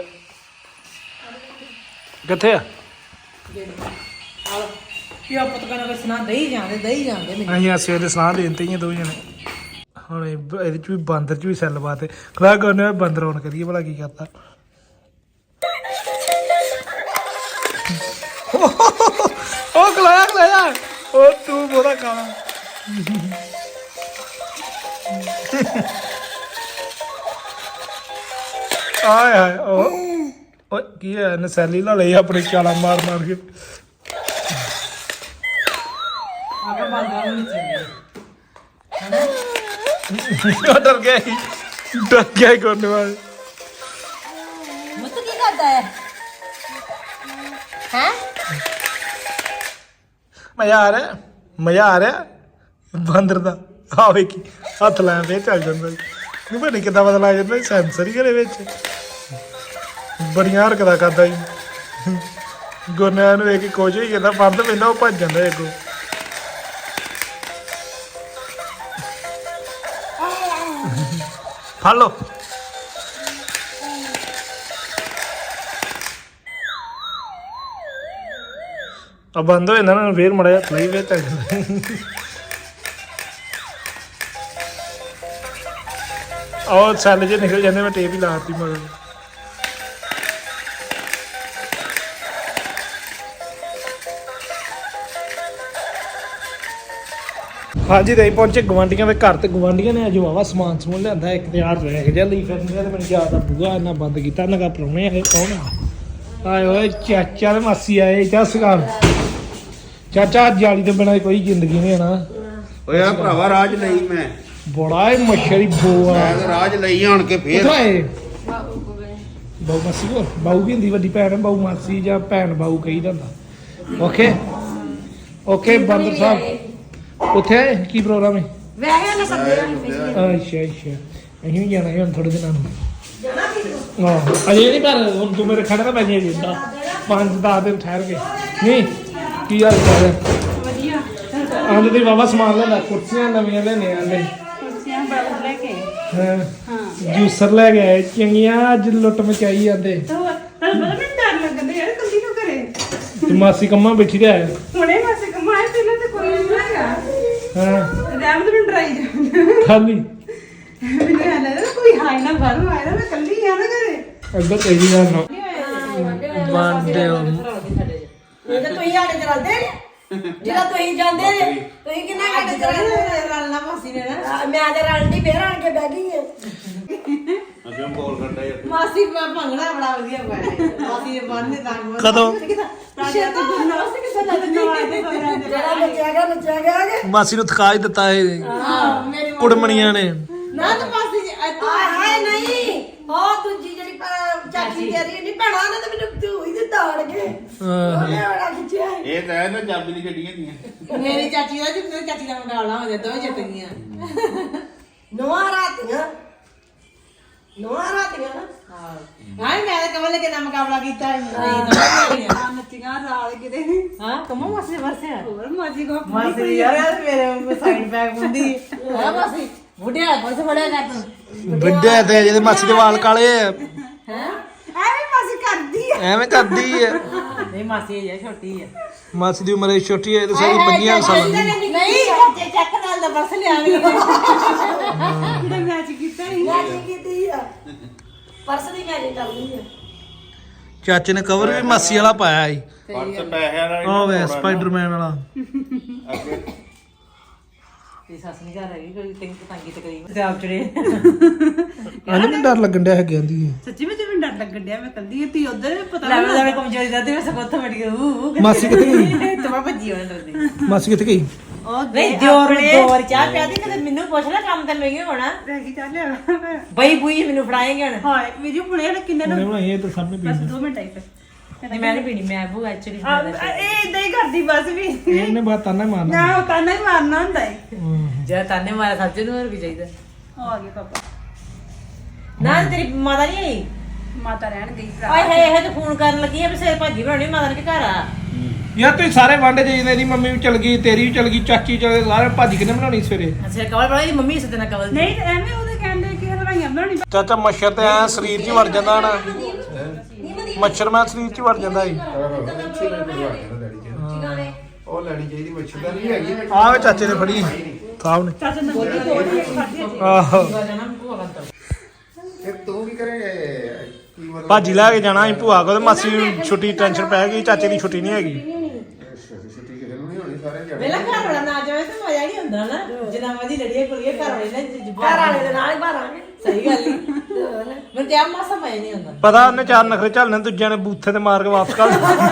Speaker 2: ਕਿੱਥੇ ਆ
Speaker 1: ਕੀ ਆਪਾਂ ਤਾਂ ਕਹਿੰਦਾ ਸੁਣਾ ਦਈ ਜਾਂਦੇ ਦਈ ਜਾਂਦੇ ਮੈਨੂੰ
Speaker 2: ਅਸੀਂ ਆਸੇ ਵੇਲੇ ਸਲਾਹ ਦੇ ਦਿੱਤੇ ਹੀ ਆ ਦੋ ਜਣੇ ਹੁਣ ਇਹ ਬ- ਇਹਦੇ ਚ ਵੀ ਬਾਂਦਰ ਚ ਵੀ ਸੈੱਲ ਬਾਤੇ ਖਲਾ ਗੁਰਨਵਾਲ ਬਾਂਦਰ ਆਉਣ ਕਰੀਏ ਭਲਾ ਕੀ ਕਰਤਾ ਉਹ ਖਲਾਇਆ ਖਲਾਇਆ ਉਹ ਤੂੰ ਬੋੜਾ ਕਾਲਾ ਆਏ ਹਾਏ ਉਹ ਓਏ ਕੀ ਹੈ ਨਸੈਲੀ ਲਾ ਲਈ ਆਪਣੀ ਚਾਲਾ ਮਾਰ ਮਾਰ ਕੇ
Speaker 1: ਆਗਾ ਬਾਂਦਰ ਨੂੰ ਨਹੀਂ
Speaker 2: ਉਹ ਡਰ ਗਿਆ ਸੀ, ਡਰ ਗਿਆ ਗੁਰਨਵਾਲ
Speaker 1: ਮਤ ਕੀ ਕਰਦਾ ਹੈ ਹੈ
Speaker 2: ਮਜ਼ਾ ਆ ਰਿਹਾ ਮਜ਼ਾ ਆ ਰਿਹਾ ਬਾਂਦਰ ਦਾ ਆ ਵੇਖੀ ਹੱਥ ਲਾਂ ਫੇਰ ਚੱਲ ਜਾਂਦਾ ਨਹੀਂ ਪਤਾ ਕਿੱਦਾਂ ਪਤਾ ਲੱਗ ਜਾਂਦਾ ਸੈਂਸਰ ਹੀ ਘਰੇ ਵਿੱਚ ਬੜੀਆਂ ਹਰਕਤਾਂ ਕਰਦਾ ਜੀ ਗੁਰਨਿਆਂ ਨੂੰ ਵੇਖ ਕੇ ਕੁਝ ਹੀ ਕਹਿੰਦਾ ਬੰਦ ਪੈਂਦਾ ਉਹ ਭੱਜ ਜਾਂਦਾ ਅੱਗੋਂ ਫੜ ਲਓ ਆ ਬੰਦ ਹੋ ਜਾਂਦਾ ਨਾ ਫੇਰ ਮੜਿਆ ਲਈ ਫੇਰ ਚੱਲ ਜਾਂਦਾ ਆਹ ਸੈੱਲ ਜੇ ਨਿਕਲ ਜਾਂਦੇ ਮੈਂ ਟੇਪ ਹੀ ਲਾਤੀ ਮਗਰ ਹਾਂਜੀ ਤੇ ਪਹੁੰਚੇ ਗਵਾਂਡੀਆਂ ਦੇ ਘਰ ਤੇ ਗਵਾਂਡੀਆਂ ਨੇ ਅੱਜ ਵਾਵਾ ਸਮਾਨ ਸਮੂਨ ਲਿਆਂਦਾ ਇੱਕ ਤੇ ਯਾਰ ਰਹਿ ਗਿਆ ਲਈ ਫਿਰ ਤੇ ਮੈਨੂੰ ਯਾਦ ਆ ਬੂਆ ਇਹਨਾਂ ਬੰਦ ਕੀਤਾ ਇਹਨਾਂ ਦਾ ਪਰੌਣੇ ਆਏ ਕੌਣ ਆ ਆਏ ਓਏ ਚਾਚਾ ਤੇ ਮਾਸੀ ਆਏ ਜਸਗਾਲ ਚਾਚਾ ਜਾਲੀ ਤੋਂ ਬਿਨਾਂ ਕੋਈ ਜ਼ਿੰਦਗੀ ਨਹੀਂ ਹੈ ਨਾ
Speaker 6: ਓਏ ਆ ਭਰਾਵਾ ਰਾਜ ਲਈ ਮੈਂ
Speaker 2: ਬੜਾ ਇਹ ਮੱਛਰੀ ਬੋ ਆ
Speaker 6: ਮੈਂ ਤਾਂ ਰਾਜ ਲਈ ਆਣ ਕੇ ਫੇਰ
Speaker 2: ਕਿੱਥੋਂ ਆਏ ਬਾਊ ਮਾਸੀ ਕੋ ਬਾਊ ਵੀ ਹੁੰਦੀ ਵੱਡੀ ਭੈਣ ਬਾਊ ਮਾਸੀ ਜਾਂ ਭੈਣ ਬਾਊ ਕਹੀਦਾ ਹੁੰਦਾ ਓਕੇ ਓਕੇ ਬੰਦਰ ਸਾਹਿਬ ਉੱਥੇ ਆਏ ਕੀ ਪ੍ਰੋਗਰਾਮ ਹੈ
Speaker 3: ਵੈਸੇ ਨਾ ਸੱਦੇ
Speaker 2: ਅੱਛਾ ਅੱਛਾ ਅਸੀਂ ਵੀ ਜਾਣਾ ਹੈ ਹੁਣ ਥੋੜੇ ਦਿਨਾਂ ਨੂੰ ਆਹੋ ਅਜੇ ਨਹੀਂ ਪਰ ਹੁਣ ਤੂੰ ਮੇਰੇ ਖੜਾ ਤਾਂ ਬੈਠੇ ਜਿੰਦਾ ਪੰਜ ਦਸ ਦਿਨ ਠਹਿਰ ਕੇ ਨਹੀਂ ਕੀ ਹਾਲ ਚਾਲ ਹੈ
Speaker 3: ਵਧੀਆ
Speaker 2: ਆਂਦੇ ਤੇ ਬਾਬਾ ਸਮਾਨ ਲੈਂਦਾ ਕੁਰਸੀਆਂ ਨਵੀਆਂ ਲੈਣੇ ਆਂਦੇ
Speaker 3: ਕੁਰਸੀਆਂ ਬਾਹਰ ਲੈ ਕੇ
Speaker 2: ਹਾਂ ਜੂਸਰ ਲੈ ਕੇ ਆਏ ਚੰਗੀਆਂ ਅੱਜ ਲੁੱਟ ਮਚਾਈ ਜਾਂਦੇ
Speaker 3: ਤੁਹਾਨੂੰ ਪਤਾ ਮੈਨੂੰ ਡਰ ਲੱਗਦਾ ਯਾਰ ਕੱਲੀ ਕਿਉਂ ਕਰੇ
Speaker 2: ਤੇ ਮਾਸੀ ਕੰਮਾਂ ਬੈਠੀ ਰਿਹਾ
Speaker 3: ਹੁਣੇ ਮਾਸੇ ਕਮਾਏ ਤੇ ਨਾ ਤੇ ਕੋਈ ਨਹੀਂ ਹੈਗਾ
Speaker 2: ਹਾਂ
Speaker 3: ਰੈਮ ਤੇ ਡਰਾਈ ਜਾ
Speaker 2: ਖਾਲੀ
Speaker 3: ਮੈਨੂੰ ਇਹ ਲੱਗਦਾ ਕੋਈ ਹਾਈ ਨਾ ਬਾਹਰੋਂ ਆਇਆ ਮੈਂ ਕੱਲੀ ਆ ਨਾ ਘਰੇ
Speaker 2: ਅੱਗਾ ਤੇਜੀ ਨਾਲ ਨਾ ਵਾਂਡੇ
Speaker 1: ਇਹ ਤਾਂ ਤੁਸੀਂ ਸਾਡੇ ਚਲਦੇ ਨੇ ਜਿਹੜਾ ਤੁਸੀਂ ਜਾਂਦੇ ਨੇ ਤੁਸੀਂ ਕਿੰਨਾ ਘੱਟ ਚਲਦੇ ਰਲਣਾ ਮਾਸੀ ਨੇ ਨਾ ਮੈਂ ਤੇ ਰਲਣੀ ਫੇਰ ਆਣ ਕੇ ਬਹਿ ਗਈ
Speaker 6: ਅੱਗੇ ਬੋਲ ਕਰਦਾ ਯਾਰ
Speaker 1: ਮਾਸੀ ਭੰਗੜਾ ਬੜਾ ਵਧੀਆ ਪਾਇਆ ਮਾਸੀ ਦੇ ਬੰਨ ਦੇ ਤੰਗ
Speaker 2: ਕਦੋਂ
Speaker 1: ਪਿੱਛੇ ਤੇ ਗੁਰਨਾਸ ਕਿੱਥੇ ਲੱਗਦੀ ਜਿਹੜਾ ਨੱਚਿਆ ਗਿਆ ਨੱਚਿਆ ਗਿਆ
Speaker 2: ਮਾਸੀ ਨੂੰ ਥਕਾ ਹੀ ਦਿੱਤਾ ਇਹ
Speaker 1: ਹਾਂ ਮੇਰੀ
Speaker 2: ਕੁੜਮਣੀਆਂ ਨੇ
Speaker 1: ਨਾ ਤਾਂ ਮਾਸੀ ਜੀ ਹਾਏ ਹਾਏ ਨਹੀਂ ਉਹ ਦੂਜੀ ਜਿਹੜੀ ਪ- ਚਾਚੀ ਤੇਰੀ ਨਹੀਂ ਭੈਣਾ ਨੇ ਤਾਂ ਮੈਨੂੰ ਤੂੰ ਹੀ ਦਿੱਤਾ ਆਣ ਕੇ ਉਹਨੇ ਬੜਾ ਖਿੱਚਿਆ
Speaker 6: ਇਹ ਤਾਂ ਹੈ ਨਾ ਚਾਬੀ ਦੀ ਗੱਡੀਆਂ ਦੀਆਂ
Speaker 1: ਮੇਰੀ ਚਾਚੀ ਦਾ ਜਿੰਨੇ ਚਾਚੀ ਦਾ ਮੁਕਾਬਲਾ ਹੋ ਜਾਂਦਾ ਉਹ ਜਿੱਤ ਗਈਆਂ ਨੋਆ ਰਾਤੀਆਂ ਨੋਆ ਰਾਤੀਆਂ ਨਾ ਹਾਂ ਹਾਂ ਮੈਂ ਤਾਂ ਕਮਲ ਕੇ ਨਾਲ ਮੁਕਾਬਲਾ ਕੀਤਾ ਨਹੀਂ ਤਾਂ
Speaker 3: ਨੱਚੀਆਂ ਰਾਲ ਕਿਤੇ
Speaker 1: ਹਾਂ ਕਮੋ ਮਾਸੀ ਵਰਸੇ
Speaker 3: ਹੋਰ ਮਾਜੀ ਕੋ
Speaker 1: ਮਾਸੀ ਯਾਰ ਮੇਰੇ ਸਾਈਡ ਬੈਗ ਹੁੰਦੀ ਹਾਂ ਮਾਸੀ ਬੁੱਢਿਆ ਕੋਲ ਸੇ ਬੜਿਆ ਕਰ ਤੂੰ
Speaker 2: ਵੱਡੇ ਤੇ ਜਿਹਦੇ ਮਾਸੀ ਦੇ ਵਾਲ ਕਾਲੇ ਆ
Speaker 1: ਹੈ
Speaker 3: ਐਵੇਂ ਮਾਸੀ ਕਰਦੀ ਆ
Speaker 2: ਐਵੇਂ ਕਰਦੀ ਹੈ
Speaker 1: ਨਹੀਂ ਮਾਸੀ ਇਹ ਛੋਟੀ ਹੈ
Speaker 2: ਮਾਸੀ ਦੀ ਉਮਰ ਛੋਟੀ ਹੈ ਤੇ ਸਾਰੀ ਪੰਜੀਆਂ ਸਾਲਾਂ ਦੀ
Speaker 1: ਨਹੀਂ ਤੇ ਚੱਕ ਨਾਲ ਦਾ ਪਰਸ ਲਿਆ ਵੀ
Speaker 3: ਜਿਹੜਾ ਮੈਚ ਕੀਤਾ ਸੀ
Speaker 1: ਮੈਚਿੰਗ ਕੀਤੀ ਆ ਪਰਸ ਦੀ ਮੈਚਿੰਗ ਕਰਨੀ ਆ
Speaker 2: ਚਾਚੇ ਨੇ ਕਵਰ ਵੀ ਮਾਸੀ ਵਾਲਾ ਪਾਇਆ ਸੀ
Speaker 6: ਪਰਸ ਪੈਸਿਆਂ ਨਾਲ
Speaker 2: ਉਹ ਵੇ ਸਪਾਈਡਰਮੈਨ ਵਾਲਾ
Speaker 6: ਅੱਗੇ
Speaker 1: ਤੇ ਸੱਸ ਨਹੀਂ ਘਰ ਹੈਗੀ ਕੋਈ ਤਿੰਨ ਤੰਗੀ ਤਕਰੀਬ ਤੇ ਆਪ ਚੜੇ
Speaker 2: ਅੱਜ ਮੈਨੂੰ ਡਰ ਲੱਗਣ ਡਿਆ ਹੈ ਕਹਿੰਦੀ
Speaker 3: ਸੱਚੀ ਵਿੱਚ ਮੈਨੂੰ ਡਰ ਲੱਗਣ ਡਿਆ ਮੈਂ ਕੱਲੀ ਤੀ ਉਧਰ ਪਤਾ
Speaker 1: ਲੈ ਮੈਂ ਕਮਜ਼ੋਰੀ ਦਾ ਤੇ ਮੈਂ ਸਗੋਂ ਉੱਥੇ ਵੜ ਗਈ ਉਹ
Speaker 2: ਮਾਸੀ ਕਿੱਥੇ ਗਈ
Speaker 1: ਤੇ ਮੈਂ ਭੱਜੀ ਉਹਨਾਂ ਡਰਦੀ
Speaker 2: ਮਾਸੀ ਕਿੱਥੇ ਗਈ
Speaker 3: ਉਹ
Speaker 1: ਨਹੀਂ ਜੋਰ ਜੋਰ ਚਾਹ ਪਿਆਦੀ ਕਦੇ ਮੈਨੂੰ ਪੁੱਛ ਲੈ ਕੰਮ ਤੇ ਮੈਂ ਹੋਣਾ
Speaker 3: ਰਹਿ ਗਈ ਚੱਲ ਲਿਆ
Speaker 1: ਬਈ ਬੂਈ ਮੈਨੂੰ ਫੜਾਏਂਗੇ ਹੁਣ
Speaker 3: ਹਾਏ ਵੀਡੀਓ ਬੁਣੇ ਨੇ ਕਿੰਨੇ
Speaker 2: ਉਹਨੇ
Speaker 3: ਨੂੰ
Speaker 2: ਬਣਾਈ ਇਹ ਤਾਂ ਸਾਹਮਣੇ
Speaker 3: ਬਸ
Speaker 2: ਪਈ
Speaker 3: ਦੋ ਮਿੰਟ ਆਈ ਫਿਰ
Speaker 1: ਨਹੀਂ ਮੈਂ ਨਹੀਂ ਪੀਣੀ ਮੈਂ ਬੂ ਐਕਚੁਅਲੀ
Speaker 3: ਇਹ ਇਦਾਂ ਹੀ ਕਰਦੀ ਬਸ ਵੀ
Speaker 2: ਇਹਨੇ ਬਾਤ ਤਾਨਾ ਹੀ ਮਾਰਨਾ
Speaker 3: ਨਾ ਉਹ ਤਾਨਾ ਹੀ ਮਾਰਨਾ ਹੁੰਦਾ ਹੈ
Speaker 2: ਹਮ।
Speaker 1: ਜੇ ਤਾਨੇ ਮਾਰਾ ਸੱਜੇ ਨੂੰ ਹੋਰ ਵੀ ਚਾਹੀਦਾ
Speaker 3: ਆ ਗਏ ਪਾਪਾ
Speaker 1: ਨਾ ਤੇਰੀ ਮਾਤਾ ਨਹੀਂ ਆਈ
Speaker 3: ਮਾਤਾ ਰਹਿਣ ਗਈ ਭਰਾ
Speaker 1: ਆਏ ਹਾਏ ਇਹ ਤੇ ਫੋਨ ਕਰਨ ਲੱਗੀ ਆ ਵੀ ਸਿਰ ਭਾਜੀ ਬਣਾਉਣੀ ਮਾਤਾ ਨੇ ਕਿ ਘਰ ਆ
Speaker 2: ਯਾਰ ਤੁਸੀਂ ਸਾਰੇ ਵਾਂਡੇ ਜਾਈਦੇ ਦੀ ਮੰਮੀ ਵੀ ਚਲ ਗਈ ਤੇਰੀ ਵੀ ਚਲ ਗਈ ਚਾਚੀ ਚਲ ਗਈ ਸਾਰੇ ਭਾਜੀ ਕਿਨੇ ਬਣਾਉਣੀ ਸਵੇਰੇ
Speaker 1: ਅੱਛਾ ਕਵਲ ਬਣਾ ਦੀ ਮੰਮੀ ਸੱਤੇ ਨਾਲ ਕਵਲ
Speaker 3: ਨਹੀਂ ਤੇ ਐਵੇਂ ਉਹਦੇ ਕਹਿੰਦੇ ਕਿ ਹਲਵਾਈਆਂ ਬਣਾਉਣੀ
Speaker 2: ਚਾਚਾ ਮੱਛਰ ਤੇ ਐ ਸਰੀਰ 'ਚ ਹੀ ਵੜ ਜਾਂਦਾ ਨਾ ਮੱਛਰ ਮੈਂ ਸਰੀਰ 'ਚ ਹੀ ਵੜ ਜਾਂਦਾ ਸੀ
Speaker 6: ਉਹ ਲੈਣੀ ਚਾਹੀਦੀ ਮੱਛਰ ਨਹੀਂ ਹੈਗੀ
Speaker 2: ਆਹ ਵੇ ਚਾਚੇ ਨੇ ਫੜੀ ਸਾਹਿਬ ਨੇ
Speaker 3: ਚਾਚਾ ਨੰਬਰ ਦੀ
Speaker 2: ਆਹੋ
Speaker 6: ਫਿਰ ਤੂੰ ਕੀ ਕਰੇ ਕੀ ਮਤਲਬ
Speaker 2: ਭਾਜੀ ਲੈ ਕੇ ਜਾਣਾ ਸੀ ਭੂਆ ਕੋਲ ਤੇ ਮਾਸੀ ਨੂੰ ਛੁੱਟੀ ਟੈਨਸ਼ਨ ਪੈ ਗਈ ਚਾਚੇ ਦੀ ਛੁੱਟੀ ਨਹੀਂ ਹੈਗੀ
Speaker 6: ਛੁੱਟੀ ਕਿਸੇ ਨੂੰ ਨਹੀਂ ਹੋਣੀ ਸਾਰੇ ਜਾਣੇ
Speaker 1: ਵੇਲਾ ਘਰ ਵਾਲਾ ਨਾ ਜਾਵੇ ਤੇ ਮਜ਼ਾ ਨਹੀਂ ਹੁੰਦਾ ਨਾ ਜਿੰਨਾ ਮਰਜ਼ੀ ਲੜੀਏ ਕੁੜੀਏ ਘਰ ਵਾਲੇ ਨੇ ਘਰ ਵਾਲੇ ਦੇ ਨਾਲ ਹੀ ਭਾਰਾਂਗੇ ਸਹੀ ਗੱਲ ਹੀ ਮੈਨੂੰ ਤੇ ਆ ਮਾਸਾ ਮਜ਼ਾ ਨਹੀਂ ਹੁੰਦਾ
Speaker 2: ਪਤਾ ਉਹਨੇ ਚਾਰ ਨਖਰੇ ਝੱਲਣੇ ਦੂਜਿਆਂ ਨੇ ਬੂਥੇ ਤੇ ਮਾਰ ਕੇ ਵਾਪਸ ਕਰ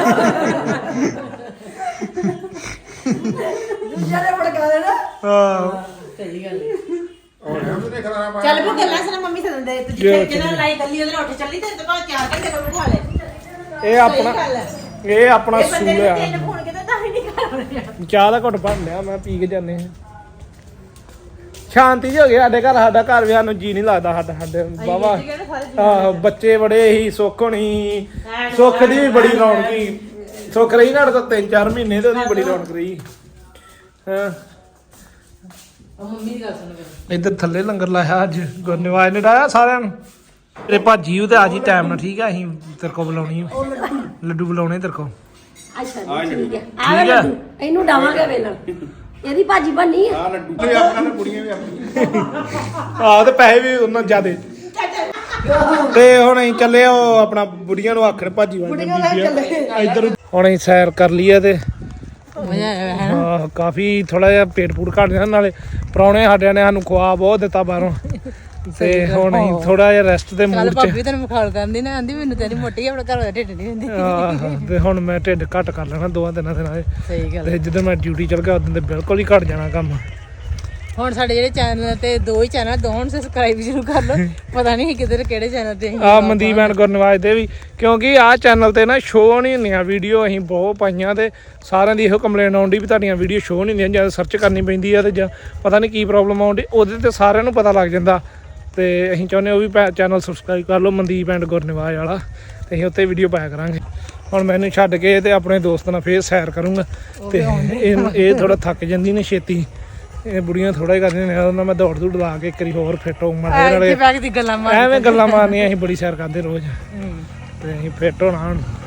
Speaker 1: ਦੂਜਿਆਂ ਨੇ ਫੜਕਾ ਦੇਣਾ
Speaker 2: ਹਾਂ
Speaker 1: ਸਹੀ ਗੱਲ ਹੈ
Speaker 6: ਉਹ ਨਾ ਤੂੰ ਖਲਾਰਾ ਪਾ
Speaker 1: ਚੱਲ ਵੀ ਗੱਲਾਂ ਸੁਣਾ ਮੰਮੀ ਸਦੰਦੇ ਤੇ ਜਿੱਥੇ ਜਿਹਨਾਂ ਲਾਈ ਕੱਲੀ ਉਹਦੇ ਉੱਠ ਚੱਲੀ ਤੇ ਤਾਂ ਚਾਰ ਘੰਟੇ ਕੋਲ ਬਿਠਾ ਲੈ
Speaker 2: ਇਹ ਆਪਣਾ
Speaker 1: ਸਹੀ ਗੱਲ ਹੈ।
Speaker 2: ਇਹ ਆਪਣਾ ਸੂਲ ਆ
Speaker 1: ਤਿੰਨ ਫੋਨ ਕਿਤੇ ਤਾਂ ਵੀ ਨਹੀਂ ਕਰ
Speaker 2: ਚਾਹ ਦਾ ਘੁੱਟ ਭਰ ਲਿਆ ਮੈਂ ਪੀ ਕੇ ਜਾਂਦੇ ਹਾਂ ਸ਼ਾਂਤੀ ਜਿਹੀ ਹੋ ਗਈ ਸਾਡੇ ਘਰ ਸਾਡਾ ਘਰ ਵੀ ਸਾਨੂੰ ਜੀ ਨਹੀਂ ਲੱਗਦਾ ਸਾਡਾ ਸਾਡੇ ਬਾਵਾ ਆਹ ਬੱਚੇ ਬੜੇ ਹੀ ਸੁੱਖ ਹੋਣੀ ਸੁੱਖ ਦੀ ਵੀ ਬੜੀ ਰੌਣਕੀ ਸੁੱਖ ਰਹੀ ਨਾ ਤਾਂ ਤਿੰਨ ਚਾਰ ਮਹੀਨੇ ਤੇ ਉਹਦੀ ਬੜੀ ਰੌਣਕ ਰਹੀ ਹਾਂ
Speaker 1: ਮੰਮੀ ਦੀ ਗੱਲ ਸੁਣ
Speaker 2: ਇੱਧਰ ਥੱਲੇ ਲੰਗਰ ਲਾਇਆ ਅੱਜ ਗੁਰਨਿਵਾਜ ਨੇ ਡਾਇਆ ਸਾਰਿਆਂ ਨੂੰ ਤੇਰੇ ਭਾਜੀ ਉਹ ਤੇ ਆ ਜੀ ਟਾਈਮ ਨਾਲ ਠੀਕ ਆ ਅਸੀਂ ਤੇਰੇ ਕੋ ਬੁਲਾਉਣੀ ਆ ਲੱਡੂ ਬੁਲਾਉਣੇ ਤੇਰੇ ਕੋ
Speaker 7: ਅੱਛਾ ਜੀ ਠੀਕ ਹੈ ਆ ਲੱਡੂ ਇਹਨੂੰ ਡਾਵਾਂਗੇ ਵੇਲਣ ਇਹਦੀ ਭਾਜੀ ਬਣਨੀ ਆ
Speaker 6: ਆ ਲੱਡੂ ਤੇ ਆਪਣਾ ਤੇ ਕੁੜੀਆਂ ਵੀ ਆਪਣੀਆਂ
Speaker 2: ਆਹ ਤੇ ਪੈਸੇ ਵੀ ਉਹਨਾਂ ਜ਼ਿਆਦੇ ਤੇ ਹੁਣ ਅਸੀਂ ਚੱਲੇ ਉਹ ਆਪਣਾ ਬੁੜੀਆਂ ਨੂੰ ਆਖਣ ਭਾਜੀ ਵਾਂਗ ਬੀਬੀਆਂ ਇੱਧਰ ਹੁਣ ਅਸੀਂ ਸੈਰ ਕਰ ਲਈ ਆ ਤੇ
Speaker 1: ਮਜ਼ਾ ਆਇਆ ਹੈ
Speaker 2: ਆਹ ਕਾਫੀ ਥੋੜਾ ਜਿਹਾ ਪੇਟ ਪੂਟ ਘਟ ਜਾਂਦਾ ਨਾਲੇ ਪ੍ਰਾਹੁਣੇ ਸਾਡਿਆਂ ਨੇ ਸਾਨੂੰ ਖਵਾ ਬਹੁਤ ਦਿੱਤਾ ਬਾਹਰੋਂ ਤੇ ਹੁਣ ਅਸੀਂ ਥੋੜਾ ਜਿਹਾ ਰੈਸਟ ਦੇ
Speaker 1: ਕੱਲ
Speaker 2: ਮੂਡ 'ਚ
Speaker 1: ਭਾਬੀ ਤੈਨੂੰ ਮਖਾਲ ਕਰਦੀ ਨਾ ਆਂਦੀ ਮੈਨੂੰ ਤੇਰੀ ਮੋਟੀ ਆਪਣਾ ਘਰ ਦਾ ਢਿੱਡ ਨਹੀਂ ਹੁੰਦੀ
Speaker 2: ਆਹ ਤੇ ਹੁਣ ਮੈਂ ਢਿੱਡ ਘੱਟ ਕਰ ਲੈਣਾ ਦੋਵਾਂ ਤਿੰਨਾਂ ਦਿਨਾਂ ਦੇ
Speaker 1: ਸਹੀ ਗੱਲ
Speaker 2: ਤੇ ਜਦੋਂ ਮੈਂ ਡਿਊਟੀ ਚਲ ਗਿਆ ਉਦੋਂ ਤੇ ਬਿਲਕੁਲ ਹੀ ਘਟ ਜਾਣਾ ਕੰਮ
Speaker 1: ਹੁਣ ਸਾਡੇ ਜਿਹੜੇ ਚੈਨਲ ਤੇ ਦੋ ਹੀ ਚੈਨਲ ਦੋ ਹੁਣ ਸਬਸਕ੍ਰਾਈਬ ਸ਼ੁਰੂ ਕਰ ਲਓ ਪਤਾ ਨਹੀਂ ਕਿਧਰ ਕਿਹੜੇ ਚੈਨਲ ਤੇ ਅਸੀਂ
Speaker 2: ਆ ਮਨਦੀਪ ਐਂਡ ਗੁਰਨਵਾਜ ਦੇ ਵੀ ਕਿਉਂਕਿ ਆਹ ਚੈਨਲ ਤੇ ਨਾ ਸ਼ੋਅ ਨਹੀਂ ਹੁੰਦੀਆਂ ਵੀਡੀਓ ਅਸੀਂ ਬਹੁਤ ਪਾਈਆਂ ਤੇ ਸਾਰਿਆਂ ਦੀ ਇਹੋ ਕੰਪਲੇਨ ਆਉਂਦੀ ਵੀ ਤੁਹਾਡੀਆਂ ਵੀਡੀਓ ਸ਼ੋਅ ਨਹੀਂ ਹੁੰਦੀਆਂ ਜਦ ਸਰਚ ਕਰਨੀ ਪੈਂਦੀ ਆ ਤੇ ਜਾਂ ਪਤਾ ਨਹੀਂ ਕੀ ਪ੍ਰੋਬਲਮ ਆਉਂਦੀ ਉਹਦੇ ਤੇ ਸਾਰਿਆਂ ਨੂੰ ਪਤਾ ਲੱਗ ਜਾਂਦਾ ਤੇ ਅਸੀਂ ਚਾਹੁੰਦੇ ਉਹ ਵੀ ਚੈਨਲ ਸਬਸਕ੍ਰਾਈਬ ਕਰ ਲਓ ਮਨਦੀਪ ਐਂਡ ਗੁਰਨਵਾਜ ਵਾਲਾ ਤੇ ਅਸੀਂ ਉੱਤੇ ਵੀਡੀਓ ਪਾਇਆ ਕਰਾਂਗੇ ਹੁਣ ਮੈਨੂੰ ਛੱਡ ਕੇ ਤੇ ਆਪਣੇ ਦੋਸਤ ਨਾਲ ਫੇਰ ਸੈਰ ਕਰੂੰਗਾ ਤੇ ਇਹ ਇਹ ਥੋੜਾ ਥੱਕ ਜਾਂਦੀ ਨੇ ਛੇਤੀ ਇਹ ਬੁੜੀਆਂ ਥੋੜਾ ਹੀ ਕਰਦੀਆਂ ਨੇ ਉਹਨਾਂ ਮੈਂ ਦੌੜ ਦੂੜ ਲਾ ਕੇ ਇੱਕ ਵਾਰੀ ਹੋਰ ਫਿੱਟ ਹੋਊਂਗਾ ਨਾਲੇ
Speaker 1: ਬੈਗ ਦੀ ਗੱਲਾਂ ਮਾਰ
Speaker 2: ਐਵੇਂ ਗੱਲਾਂ ਮਾਰਨੀਆਂ ਅਸੀਂ ਬੜੀ ਸੈਰ ਕਰਦੇ ਰੋਜ਼ ਤੇ ਅਸੀਂ ਫਿੱਟ ਹੋਣਾ ਹੁਣ